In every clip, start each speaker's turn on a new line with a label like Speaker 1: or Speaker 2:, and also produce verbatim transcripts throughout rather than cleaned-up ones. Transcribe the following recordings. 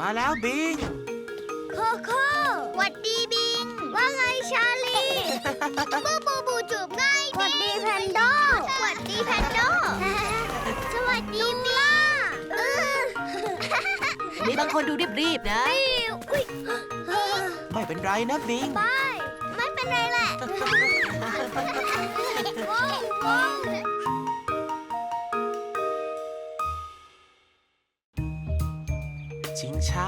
Speaker 1: มาแล้วบิง
Speaker 2: โคโค่หวัดดีบิงว่าไงชาลีบูบูบูจูบง่ายหวัดดีแพนโดหวัดดีแพนโดสวัสดีบิง
Speaker 3: มีบางคนดูรีบๆนะ
Speaker 1: ไม่เป็นไรนะบิง
Speaker 2: ไม่ไม่เป็นไรแหละ
Speaker 1: ชิงช้า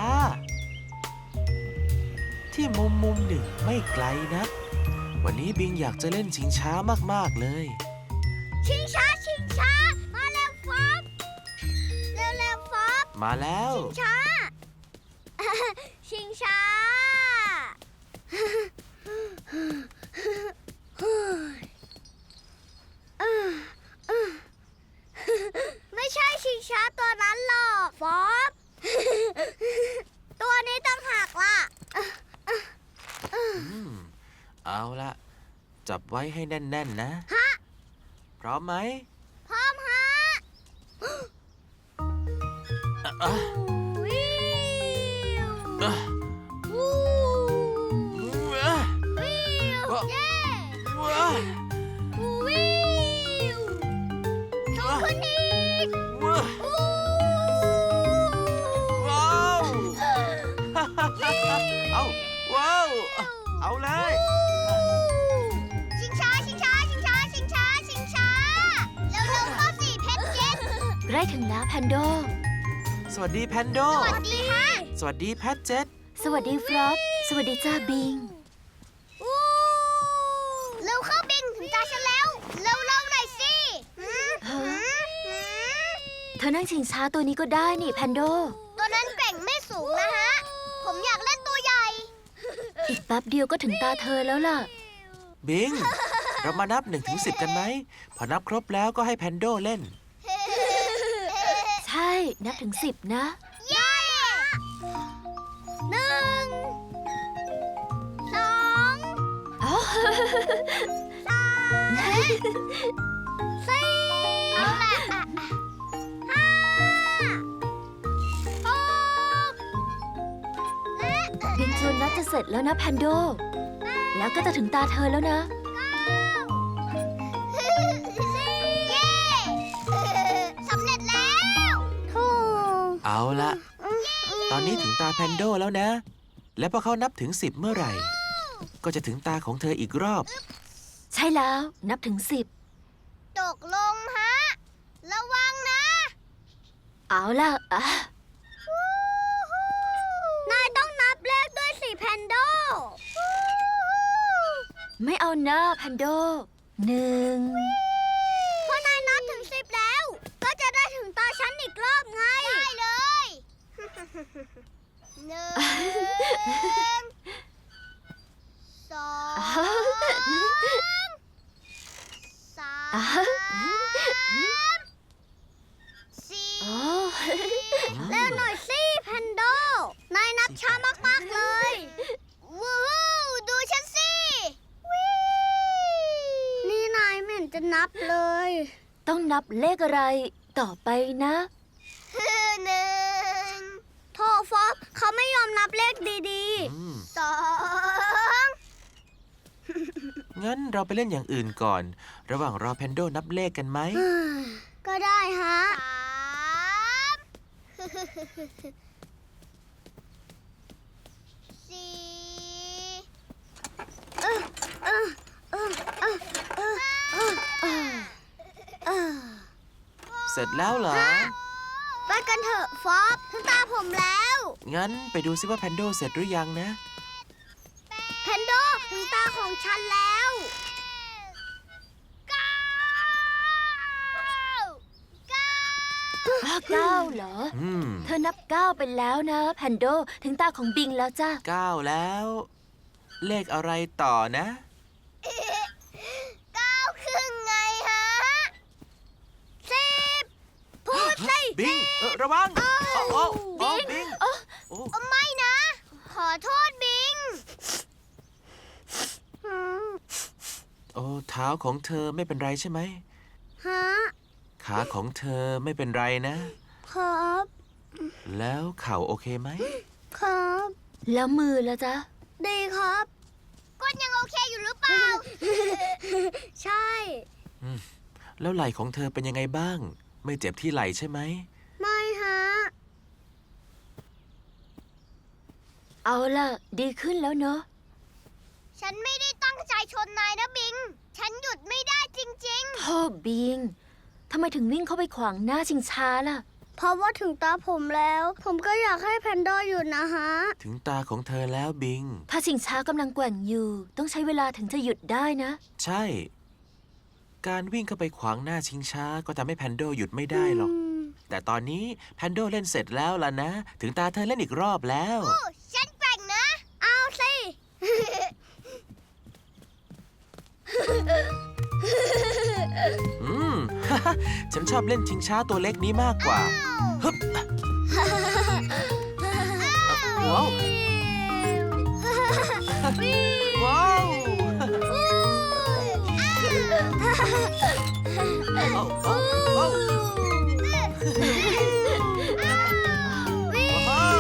Speaker 1: ที่มุมมุมหนึ่งไม่ไกลนักวันนี้บิงอยากจะเล่นชิงช้ามากๆเลย
Speaker 2: ชิงช้าชิงช้ามาแล้วฟอบเร็วเร็วฟอบ
Speaker 1: มาแล้ว
Speaker 2: ชิงช้าชิงช้าไม่ใช่ชิงช้าตัวนั้นหรอกฟอบตัวนี้ต้องหักล่ะ
Speaker 1: เอาละจับไว้ให้แน่นๆนะ
Speaker 2: ฮะ
Speaker 1: พร้อมไหม
Speaker 2: พร้อมฮะวิววูวิวเย้วิวส่งขึ้นอีก
Speaker 1: ว้าวเอาว้าวเอาเลย
Speaker 2: ชิงช้าชิงช้าชิงช้าชิงช้าชิงช้าเร็วเร็วเข้าสิเพชรเจ็ด
Speaker 3: ใกล้ถึงแล้วแพนโด
Speaker 1: สวัสดีแพนโด
Speaker 2: สวัสดีฮะ
Speaker 1: สวัสดีแพทเจ็ด
Speaker 3: สวัสดีฟลอปสวัสดีจ้าบิง
Speaker 2: เร็วเข้าบิงถึงตาฉันแล้วเร็วเร็วหน่อยสิ
Speaker 3: เธอนั่งชิงช้าตัวนี้ก็ได้นี่แพนโด
Speaker 2: ตัวนั้นแกร่งไม่สูงนะฮะผมอยากเล่นตัวใหญ่
Speaker 3: อีกแป๊บเดียวก็ถึงตาเธอแล้วล่ะ
Speaker 1: บิงเรามานับหนึ่งถึงสิบกันไหมพอนับครบแล้วก็ให้แพนโดเล่น
Speaker 3: ใช่นับถึงสิบนะ
Speaker 2: เย้หนึ่งสองสามสี่เอาละห้าหกและ
Speaker 3: บิงชวนนับจะเสร็จแล้วนะแพนโดแล้วก็จะถึงตาเธอแล้วนะ
Speaker 2: เย้สำเร็จแล้วถูก
Speaker 1: เอาละตอนนี้ถึงตาแพนโดแล้วนะและพอเขานับถึงสิบเมื่อไหร่ก็จะถึงตาของเธออีกรอบ
Speaker 3: ใช่แล้วนับถึงสิบ
Speaker 2: ตกลงฮะระวังนะ
Speaker 3: เอาล่ะอ่ะ
Speaker 2: นายต้องนับเลขด้วยสิแพนโด
Speaker 3: ไม่เอาหน้าแพนโดหนึ่ง
Speaker 2: พอนายนับถึงสิบแล้วก็จะได้ถึงตาฉันอีกรอบไงได้เลยหนึ่งสองสามสี่เร็วหน่อยสิแพนโดนายนับช้ามากๆเลยว้าวดูฉันสินี่นายไม่เห็นจะนับเลย
Speaker 3: ต้องนับเลขอะไรต่อไปนะ
Speaker 2: หนึ่งโทฟอสเขาไม่ยอมนับเลขดีๆสอง
Speaker 1: งั้นเราไปเล่นอย่างอื่นก่อนระหว่างรอแพนโดนับเลขกันไหม
Speaker 2: ก็ได้ฮะสามสี่
Speaker 1: เสร็จแล้วเหรอ
Speaker 2: ไปกันเถอะฟอบถึงตาผมแล้ว
Speaker 1: งั้นไปดูซิว่าแพนโดเสร็จหรือยังนะ
Speaker 2: แพนโดถึงตาของฉันแล้วเก้าเก้า
Speaker 3: เก้าเหรอเธอนับเก้าไปแล้วนะแพนโดถึงตาของบิงแล้วจ้ะ
Speaker 1: เก้าแล้วเลขอะไรต่อนะ
Speaker 2: เก้าครึ่งไงฮะสิบพูดสิ
Speaker 1: บิงระวังโอ้โอ้บิง
Speaker 2: โอ้ไม่นะขอโทษบิง
Speaker 1: โอ้เท้าของเธอไม่เป็นไรใช่ไหมฮะขาของเธอไม่เป็นไรนะครับแล้วเข่าโอเคไหม
Speaker 2: ครับ
Speaker 3: แล้วมือละจ๊ะ
Speaker 2: ดีครับก้นยังโอเคอยู่หรือเปล่า ใช่
Speaker 1: แล้วไหล่ของเธอเป็นยังไงบ้าง ไม่เจ็บที่ไหล่ใช่ไหม
Speaker 2: ไม่ฮะ
Speaker 3: เอาล่ะ ดีขึ้นแล้วเนอะ
Speaker 2: ฉันไม่ได้ตั้งใจชนนายนะบิง ฉันหยุดไม่ได้จริง
Speaker 3: โธ่บิง ทำไมถึงวิ่งเข้าไปขวางหน้าชิงช้าล่ะ
Speaker 2: ๆ เพราะว่าถึงตาผมแล้ว ผมก็อยากให้แพนด้าหยุดนะฮะ
Speaker 1: ถึงตาของเธอแล้วบิง
Speaker 3: ถ้าชิงช้ากำลังแกว่งอยู่ ต้องใช้เวลาถึงจะหยุดได้นะ
Speaker 1: ใช่ การวิ่งเข้าไปขวางหน้าชิงช้าก็ทำให้แพนโดหยุดไม่ได้หรอก แต่ตอนนี้แพนโดเล่นเสร็จแล้วล่ะนะ ถึงตาเธอเล่นอีกรอบแล้ว
Speaker 2: ฉันแกว่งนะ เอาสิ
Speaker 1: อืม ฉันชอบเล่นชิงช้าตัวเล็กนี้มากกว่าฮึบว้าวว้าวโอ้โอ้โอ้ว้าว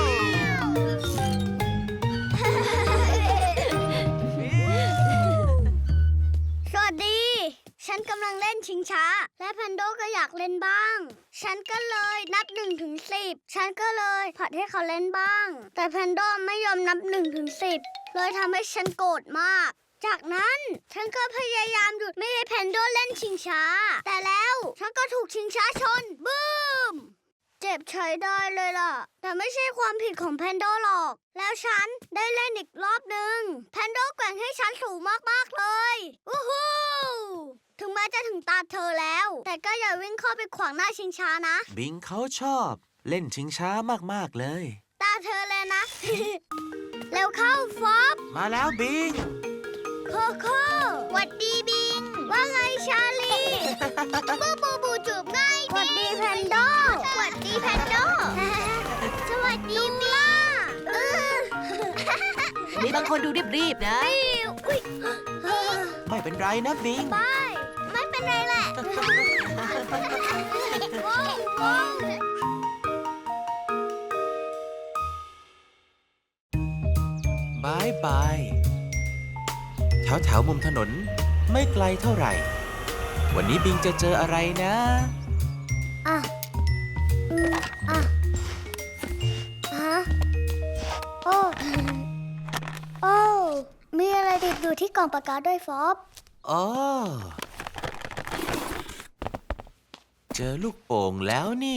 Speaker 2: สวัสดี ฉันกำลังเล่นชิงช้า และแพนโดก็อยากเล่นบ้าง ฉันก็เลยนับหนึ่งถึงสิบ ฉันก็เลยผลัดให้เขาเล่นบ้าง แต่แพนโดไม่ยอมนับหนึ่งถึงสิบ เลยทำให้ฉันโกรธมาก จากนั้นฉันก็พยายามหยุดไม่ให้แพนโดเล่นชิงช้า แต่แล้วฉันก็ถูกชิงช้าชน บูม เจ็บใช้ได้เลยล่ะ แต่ไม่ใช่ความผิดของแพนโดหรอก แล้วฉันได้เล่นอีกรอบหนึ่งแพนโดแกว่งให้ฉันสูงมากๆเลยวู้ฮู้ถึงแม้จะถึงตาเธอแล้ว แต่ก็อย่าวิ่งเข้าไปขวางหน้าชิงช้านะ
Speaker 1: บิงเขาชอบเล่นชิงช้ามากๆเลย
Speaker 2: ตาเธอเลยนะ เร็วเข้าฟอบ
Speaker 1: มาแล้วบิง
Speaker 2: โคโค่หวัดดีบิง ว่าไงชาลี บูบูบูจูบง่ายหวัดดีแพนโดหวัดดีแพนโด สวัสดีบิงเออ
Speaker 3: มีบางคนดูรีบๆนะ
Speaker 2: อุ๊ย
Speaker 1: ไม่เป็นไรนะบิง
Speaker 2: ไปไม่เป็นไรแหละ ว้าวว้าว
Speaker 1: บายบาย แถวแถวมุมถนนไม่ไกลเท่าไหร่ วันนี้บิงจะเจออะไรนะ
Speaker 2: อ่ะอืมอ่ะฮะโอ้โอ้มีอะไรติดอยู่ที่กล่องปากกาด้วยฟอบ
Speaker 1: อ๋อ เจอลูกโป่งแล้วนี่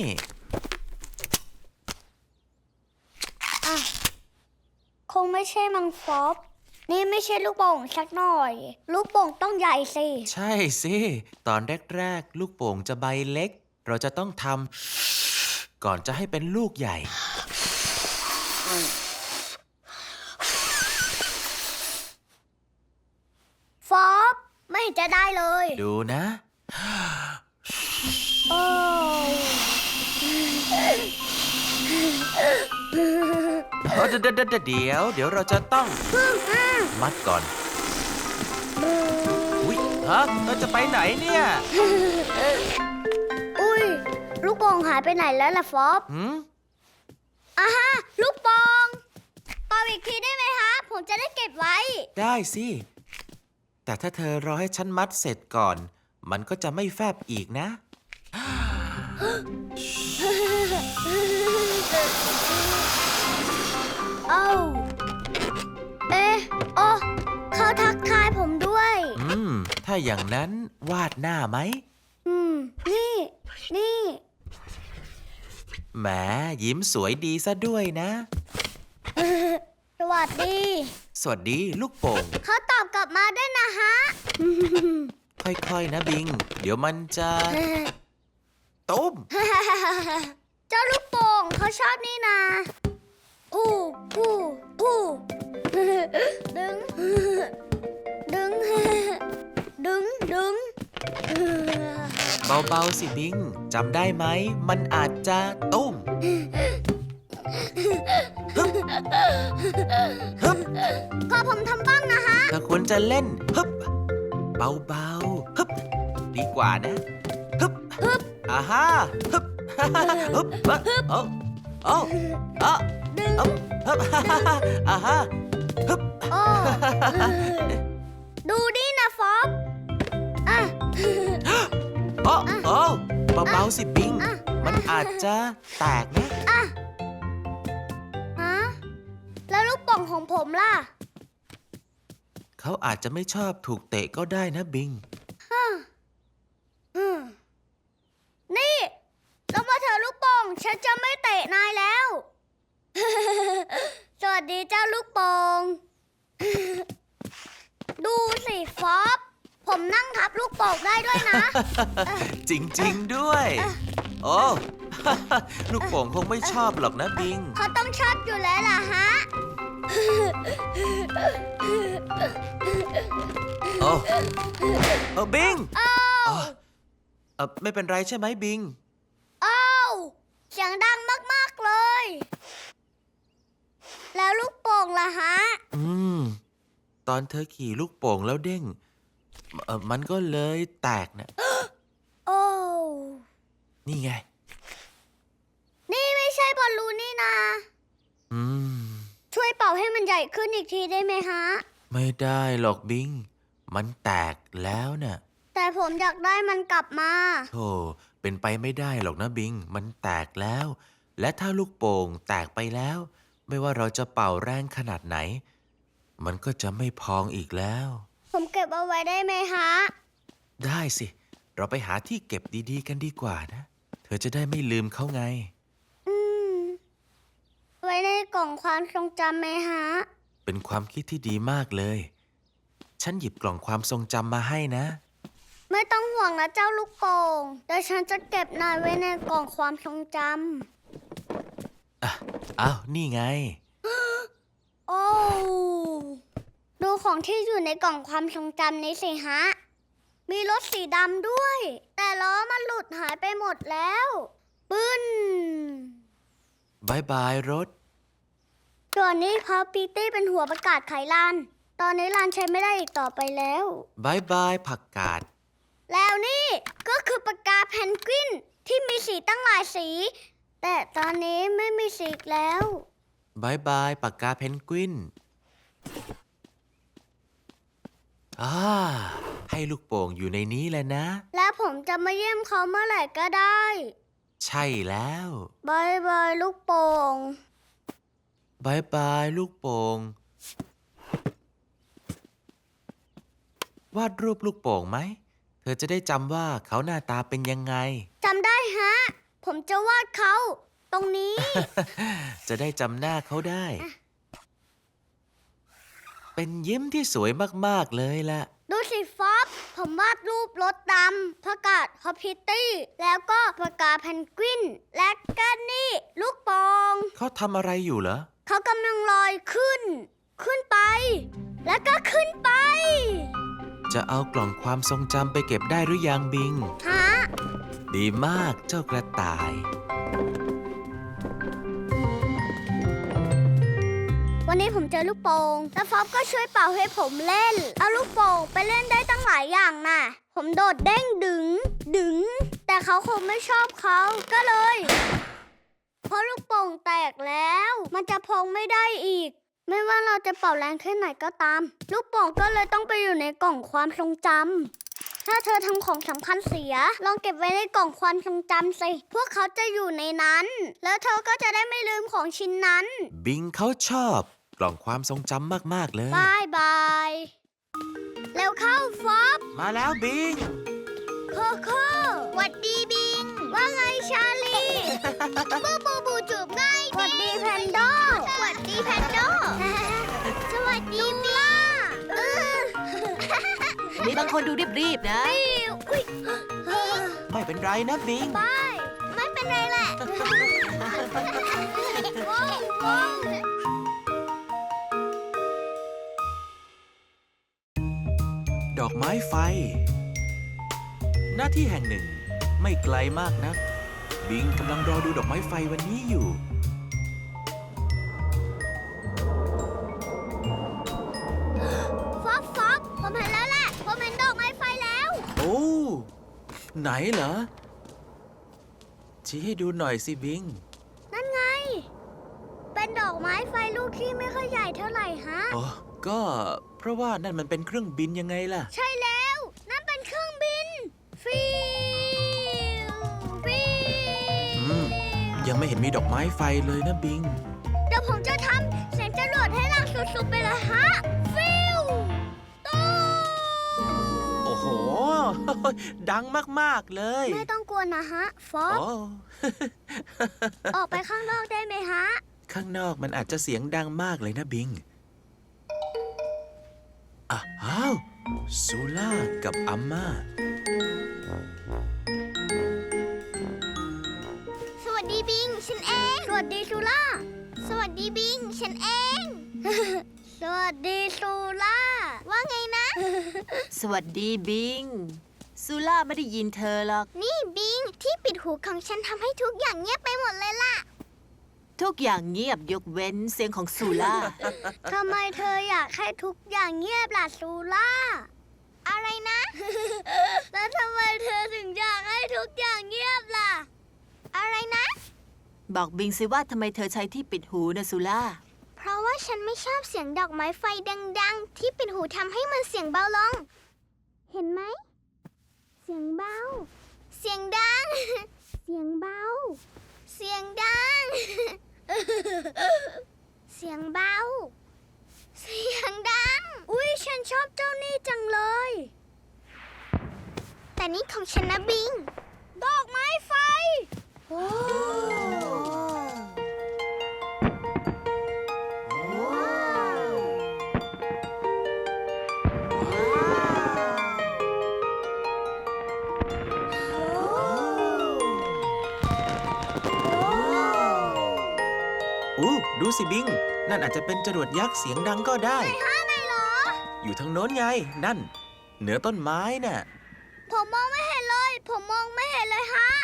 Speaker 2: อ่ะคงไม่ใช่มังฟอบนี่ไม่ใช่ลูกโป่งสักหน่อย ลูกโป่งต้องใหญ่สิ
Speaker 1: ใช่สิ ตอนแรกๆ ลูกโป่งจะใบเล็ก เราจะต้องทำก่อนจะให้เป็นลูกใหญ่
Speaker 2: ฟอบไม่เห็นจะได้เลย
Speaker 1: ดูนะ
Speaker 2: โอ้
Speaker 1: เออเดี๋ยวเดี๋ยวเดี๋ยวเดี๋ยวเราจะต้องมัดก่อน อุ๊ยฮะเราจะไปไหนเนี่ย
Speaker 2: อุ้ยลูกโป่งหายไปไหนแล้วล่ะฟอบ
Speaker 1: หืม
Speaker 2: อ่ะฮะลูกโป่งเป่าอีกทีได้ไหมฮะผมจะได้เก็บไว้
Speaker 1: ได้สิ แต่ถ้าเธอรอให้ฉันมัดเสร็จก่อน มันก็จะไม่แฟบอีกนะ
Speaker 2: เอ้าเอ๊ะโอ้เขาทักทายผมด้วย
Speaker 1: อืม ถ้าอย่างนั้นวาดหน้าไหม
Speaker 2: อืม นี่ นี่
Speaker 1: แหมยิ้มสวยดีซะด้วยนะ
Speaker 2: สวัสดี
Speaker 1: สวัสดีลูกโป่ง
Speaker 2: เขาตอบกลับมาด้วยนะฮะ
Speaker 1: ค่อยๆนะบิง เดี๋ยวมันจะตุ้ม
Speaker 2: เจ้าลูกโป่งเขาชอบนี่นาผู้ผู้ผู้ดึง ดึง ดึง ดึง
Speaker 1: เบาๆสิบิง จำได้ไหม มันอาจจะตุ้มฮึบฮึบ
Speaker 2: ขอผมทำบ้างนะฮะ
Speaker 1: เธอควรจะเล่นฮึบเบาๆฮึบดีกว่านะฮึบฮึบอ่าฮะฮึบฮึบเอ้าโอ้อะดึงฮึบอ่าฮะฮึบ
Speaker 2: โอ้ดูดินะฟอบอ่ะ
Speaker 1: โอ้โอ้เบาๆสิบิง
Speaker 2: อ่ะ
Speaker 1: มันอาจจะแตกนะ
Speaker 2: อ่ะฮะแล้วลูกโป่งของผมล่ะ
Speaker 1: เขาอาจจะไม่ชอบถูกเตะก็ได้นะบิง
Speaker 2: อืมนี่ลงมาเถอะลูกโป่งฉันจะไม่เตะนายแล้ว สวัสดีเจ้าลูกโป่ง ดูสิฟอบผมนั่งทับลูกโป่งได้ด้วยนะ
Speaker 1: จริงๆด้วย โอ้ ลูกโป่งคงไม่ชอบหรอกนะบิง
Speaker 2: เขาต้องชอบอยู่แล้วล่ะฮะ
Speaker 1: โอ้เออบิง
Speaker 2: อ้าว
Speaker 1: เออไม่เป็นไรใช่ไหมบิง
Speaker 2: อ้าวเสียงดังมากๆเลย แล้วลูกโป่งล่ะฮะ
Speaker 1: อืม ตอนเธอขี่ลูกโป่งแล้วเด้งเออมันก็เลยแตกนะ
Speaker 2: โอ้
Speaker 1: นี่ไง
Speaker 2: นี่ไม่ใช่บอลลูนนี่นา
Speaker 1: อืม
Speaker 2: ช่วยเป่าให้มันใหญ่ขึ้นอีกทีได้ไหมฮะ
Speaker 1: ไม่ได้หรอกบิง มันแตกแล้วน่ะ
Speaker 2: แต่ผมอยากได้มันกลับมา
Speaker 1: โธ่เป็นไปไม่ได้หรอกนะบิง มันแตกแล้ว และถ้าลูกโป่งแตกไปแล้ว ไม่ว่าเราจะเป่าแรงขนาดไหน มันก็จะไม่พองอีกแล้ว
Speaker 2: ผมเก็บเอาไว้ได้ไหมฮะ
Speaker 1: ได้สิ เราไปหาที่เก็บดีๆกันดีกว่านะ เธอจะได้ไม่ลืมเขาไง
Speaker 2: อืม ไว้ในกล่องความทรงจำไหมฮะ
Speaker 1: เป็นความคิดที่ดีมากเลย ฉันหยิบกล่องความทรงจำมาให้นะ
Speaker 2: ไม่ต้องห่วงนะเจ้าลูกโป่งเดี๋ยวฉันจะเก็บนายไว้ในกล่องความทรงจ
Speaker 1: อ่ะอ้าวนี่ไง
Speaker 2: ำ โอ้ ดูของที่อยู่ในกล่องความทรงจำนี้สิฮะ มีรถสีดำด้วย แต่ล้อมันหลุดหายไปหมดแล้วบึ้น
Speaker 1: บายบายรถ
Speaker 2: ส่วนนี้พอปีตี้เป็นหัวประกาศไขลาน ตอนนี้ลานใช้ไม่ได้อีกต่อไปแล้ว
Speaker 1: บายบายผักกาด
Speaker 2: แล้วนี่ก็คือปากกาเพนกวินที่มีสีตั้งหลายสี แต่ตอนนี้ไม่มีสีอีกแล้ว
Speaker 1: บายบายปากกาเพนกวินอ่าให้ลูกโป่งอยู่ในนี้แหละนะ
Speaker 2: และผมจะมาเยี่ยมเขาเมื่อไหร่ก็ได้
Speaker 1: ใช่แล้ว
Speaker 2: บายบายลูกโป่ง
Speaker 1: บายบายลูกโป่ง วาดรูปลูกโป่งไหม เธอจะได้จำว่าเขาหน้าตาเป็นยังไง
Speaker 2: จำได้ฮะ ผมจะวาดเขา ตรงนี้
Speaker 1: จะได้จำหน้าเขาได้ เป็นยิ้มที่สวยมากๆเลยล่ะ
Speaker 2: ดูสิฟอบผมวาดรูปรถดำประกาศฮอปพิตตี้ แล้วก็ปากกาเพนกวิน และก็นี่ลูกโป่ง
Speaker 1: เขาทำอะไรอยู่เหรอ
Speaker 2: เขากำลังลอยขึ้น ขึ้นไป แล้วก็ขึ้นไป
Speaker 1: จะเอากล่องความทรงจำไปเก็บได้หรือยังบิง
Speaker 2: ฮะ
Speaker 1: ดีมากเจ้ากระต่าย
Speaker 2: วันนี้ผมเจอลูกโป่งแล้วฟอบก็ช่วยเป่าให้ผมเล่น เอาลูกโป่งไปเล่นได้ตั้งหลายอย่างน่ะ ผมโดดเด้งดึง ดึง แต่เขาคงไม่ชอบเขาก็เลย เพราะลูกโป่งแตกแล้ว มันจะพองไม่ได้อีก ไม่ว่าเราจะเป่าแรงแค่ไหนก็ตาม ลูกโป่งก็เลยต้องไปอยู่ในกล่องความทรงจำถ้าเธอทำของสำคัญเสีย ลองเก็บไว้ในกล่องความทรงจำสิพวกเขาจะอยู่ในนั้น แล้วเธอก็จะได้ไม่ลืมของชิ้นนั้น
Speaker 1: บิงเขาชอบกล่องความทรงจำมากๆเลย
Speaker 2: บายบายแล้วเข้าฟอบ
Speaker 1: มาแล้วบิง
Speaker 2: โคโค่หวัดดีบิง ว่าไงชาลี บูบูบูจูบง่ายหวัดดีแพนโดหวัดดีแพนโด สวัสดีล่าเออ
Speaker 3: มีบางคนดูรีบๆนะ
Speaker 2: อุ๊ย
Speaker 1: ไม่เป็นไรนะบิง
Speaker 2: บายไม่เป็นไรแหละว้าวว้าว
Speaker 1: ดอกไม้ไฟ หน้าที่แห่งหนึ่ง ไม่ไกลมากนัก บิงกำลังรอดูดอกไม้ไฟวันนี้อยู่
Speaker 2: ฟอบฟอบผมเห็นแล้วแหละ ผมเห็นดอกไม้ไฟแล้ว
Speaker 1: โอ้ ไหนเหรอ ชี้ให้ดูหน่อยสิบิง
Speaker 2: นั่นไงดอกไม้ไฟลูกที่ไม่ค่อยใหญ่เท่าไหร่ฮะ
Speaker 1: อ๋อ ก็เพราะว่านั่นมันเป็นเครื่องบินยังไงล่ะ
Speaker 2: ใช่แล้ว นั่นเป็นเครื่องบิน ฟิวฟิว
Speaker 1: อืม ยังไม่เห็นมีดอกไม้ไฟเลยนะบิง
Speaker 2: เดี๋ยวผมจะทำเสียงจรวดให้ดังสุดๆไปเลยฮะ ฟิวตู้
Speaker 1: โอ้โห ดังมากๆเลย
Speaker 2: ไม่ต้องกลัวนะฮะ ฟอ
Speaker 1: โอ้
Speaker 2: ส ออกไปข้างนอกได้ไหมฮะ
Speaker 1: ข้างนอกมันอาจจะเสียงดังมากเลยนะบิงอ้าวซูล่ากับอัมมา
Speaker 2: สวัสดีบิง ฉันเอง สวัสดีซูล่า สวัสดีบิง ฉันเอง สวัสดีซูล่า ว่าไงนะ
Speaker 3: สวัสดีบิงซูล่าไม่ได้ยินเธอหรอก
Speaker 2: นี่บิง ที่ปิดหูของฉันทำให้ทุกอย่างเงียบไปหมดเลยล่ะ
Speaker 3: ทุกอย่างเงียบยกเว้นเสียงของซูล่า
Speaker 2: ทำไมเธออยากให้ทุกอย่างเงียบล่ะซูล่า อะไรนะ แล้วทำไมเธอถึงอยากให้ทุกอย่างเงียบล่ะ อะไรนะ
Speaker 3: บอกบิงสิว่าทำไมเธอใช้ที่ปิดหูนะซูล่า
Speaker 2: เพราะว่าฉันไม่ชอบเสียงดอกไม้ไฟดังๆ ที่ปิดหูทำให้มันเสียงเบาลง เห็นไหม เสียงเบา เสียงดัง เสียงเบา เสียงดัง เสียงเบา เสียงดัง อุ๊ย ฉันชอบเจ้านี่จังเลย แต่นี่ของฉันนะบิง ดอกไม้ไฟ โอ้
Speaker 1: อู้ดูสิบิง นั่นอาจจะเป็นจรวดยักษ์เสียงดังก็ได้
Speaker 2: ฮะไหนเหรอ
Speaker 1: อยู่ทางโน้นไง นั่น เหนือต้นไม้น่ะ
Speaker 2: ผมมองไม่เห็นเลย ผมมองไม่เห็นเลยฮะ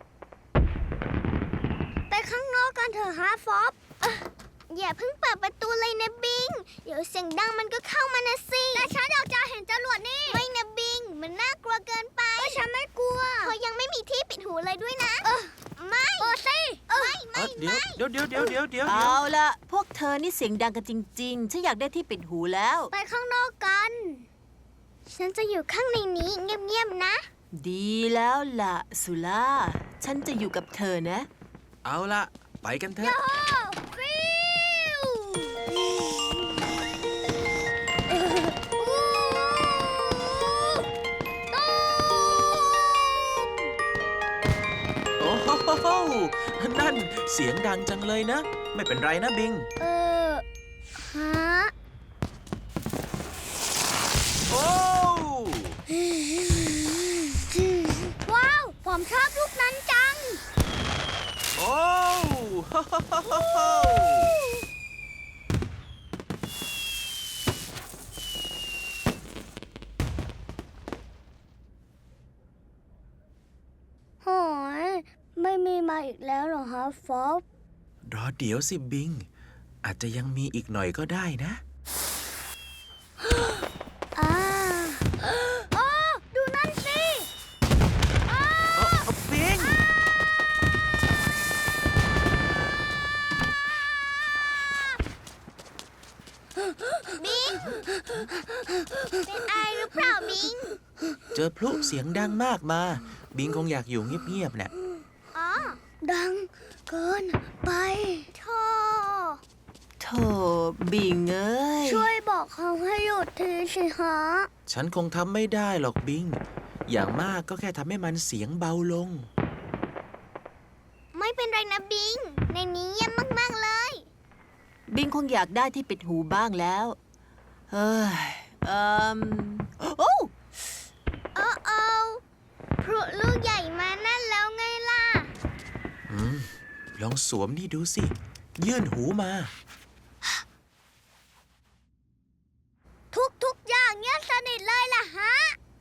Speaker 2: ไปข้างนอกกันเถอะฮะฟอบอย่าเพิ่งเปิดประตูเลยนะบิง เดี๋ยวเสียงดังมันก็เข้ามานะสิ แต่ฉันอยากจะเห็นจรวดนี่ ไม่นะบิง มันน่ากลัวเกินไปฉันไม่กลัวเขายังไม่มีที่ปิดหูเลยด้วยนะไม่เปิดสิไม่ไม่
Speaker 1: เดี๋ยว
Speaker 2: ไม่
Speaker 1: เดี๋ยวเดี๋ยวเดี๋ยวเดี๋ยวเดี๋ยว
Speaker 3: เอาละพวกเธอนี่เสียงดังกันจริงๆ ฉันอยากได้ที่ปิดหูแล้ว
Speaker 2: ไปข้างนอกกัน ฉันจะอยู่ข้างในนี้เงียบๆนะ
Speaker 3: ดีแล้วล่ะซูล่า ฉันจะอยู่กับเธอนะ
Speaker 1: เอาละไปกันเถอะ
Speaker 2: โอ้ฟิวตู้
Speaker 1: โอ้โหนั่นเสียงดังจังเลยนะ ไม่เป็นไรนะบิง
Speaker 2: เออฮะ
Speaker 1: โอ้
Speaker 2: ว้าว ผมชอบลูกนั้นจัง
Speaker 1: โอ้โห
Speaker 2: โหย ไม่มีมาอีกแล้วเหรอฮะฟอบ
Speaker 1: รอเดี๋ยวสิบิง อาจจะยังมีอีกหน่อยก็ได้นะ
Speaker 2: อ่าโอ้ดูนั่นสิอ้า
Speaker 1: เอ้าเอาบิง
Speaker 2: บิง เป็นไอหรือเปล่าบิง
Speaker 1: เจอพลุเสียงดังมากมา บิงคงอยากอยู่เงียบๆน่ะ
Speaker 2: อ๋อ ดังเกินไปโธ่
Speaker 3: โธ่บิงเอ้ย
Speaker 2: ช่วยบอกเขาให้หยุดทีสิฮะ
Speaker 1: ฉันคงทำไม่ได้หรอกบิง อย่างมากก็แค่ทำให้มันเสียงเบาลง
Speaker 2: ไม่เป็นไรนะบิง ในนี้เยี่ยมมาก ๆ เลย
Speaker 3: บิงคงอยากได้ที่ปิดหูบ้างแล้ว เฮ้ยเอ่มโอ้
Speaker 2: โอ้โอ้พลุลูกใหญ่มานั่นแล้วไงล่ะ
Speaker 1: อืม ลองสวมนี่ดูสิ ยื่นหูมา
Speaker 2: ทุกทุกๆอย่างเงียบสนิทเลยล่ะฮะ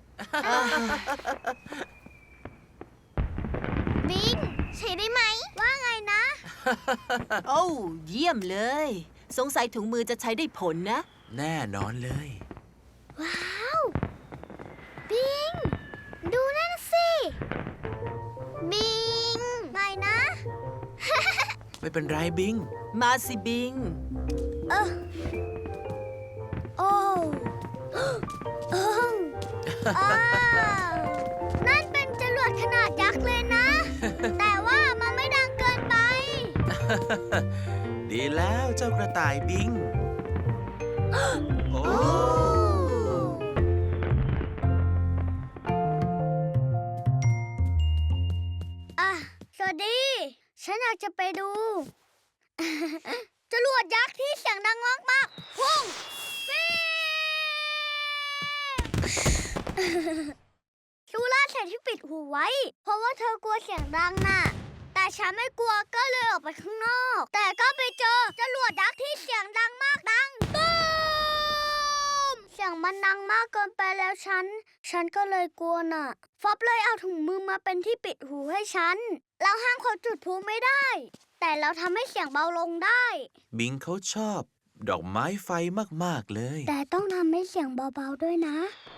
Speaker 2: บิง ใช้ได้ไหม ว่าไงนะ
Speaker 3: โอ้เยี่ยมเลย สงสัยถุงมือจะใช้ได้ผลนะ
Speaker 1: แน่นอนเลย
Speaker 2: ว้าว บิง ดูนั่นสิ บิง ไหนนะ
Speaker 1: ไปไม่เป็นไรบิง
Speaker 3: มาสิบิง
Speaker 2: เออโอ้เอออ้าวนั่นเป็นจรวดขนาดยักษ์เลยนะ แต่ว่ามันไม่ดังเกินไป
Speaker 1: ดีแล้วเจ้ากระต่ายบิง โอ้
Speaker 2: อ่ะ สวัสดี ฉันอยากจะไปดู จรวดยักษ์ที่เสียงดังมากๆพุ่งฟิวซูล่าใส่ที่ปิดหูไว้ เพราะว่าเธอกลัวเสียงดังน่ะ แต่ฉันไม่กลัวก็เลยออกไปข้างนอก แต่ก็ไปเจอจรวดยักษ์ที่เสียงดังมากดังตูมเสียงมันดังมากเกินไปแล้วฉัน ฉันก็เลยกลัวน่ะ ฟอบเลยเอาถุงมือมาเป็นที่ปิดหูให้ฉัน เราห้ามเขาจุดพลุไม่ได้ แต่เราทำให้เสียงเบาลงได้
Speaker 1: บิงเขาชอบ ดอกไม้ไฟมากๆเลย
Speaker 2: แต่ต้องทำให้เสียงเบาๆด้วยนะ